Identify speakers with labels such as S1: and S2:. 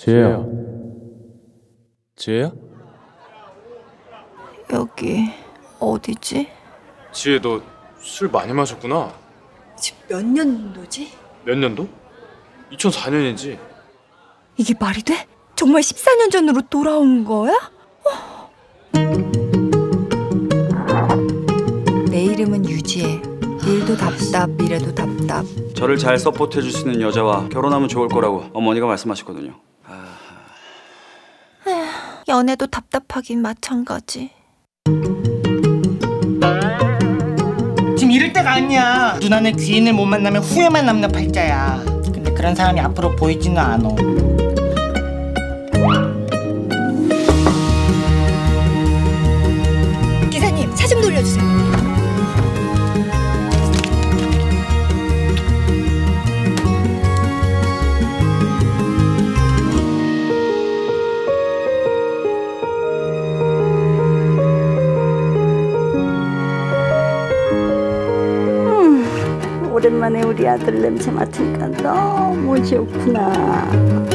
S1: 지혜야. 지혜야?
S2: 여기 어디지?
S1: 지혜, 너 술 많이 마셨구나.
S2: 지금 몇 년도지?
S1: 몇 년도? 2004년이지.
S2: 이게 말이 돼? 정말 14년 전으로 돌아온 거야? 내 이름은 유지혜. 일도 답답, 미래도 답답.
S3: 저를 잘 서포트해줄 수 있는 여자와 결혼하면 좋을 거라고 어머니가 말씀하셨거든요.
S2: 연애도 답답하긴 마찬가지.
S4: 지금 이럴 때가 아니야. 누나는 귀인을 못 만나면 후회만 남는 팔자야. 근데 그런 사람이 앞으로 보이지는 않아.
S2: 기사님, 차 좀 돌려주세요.
S5: 오랜만에 우리 아들 냄새 맡으니까 너무 좋구나.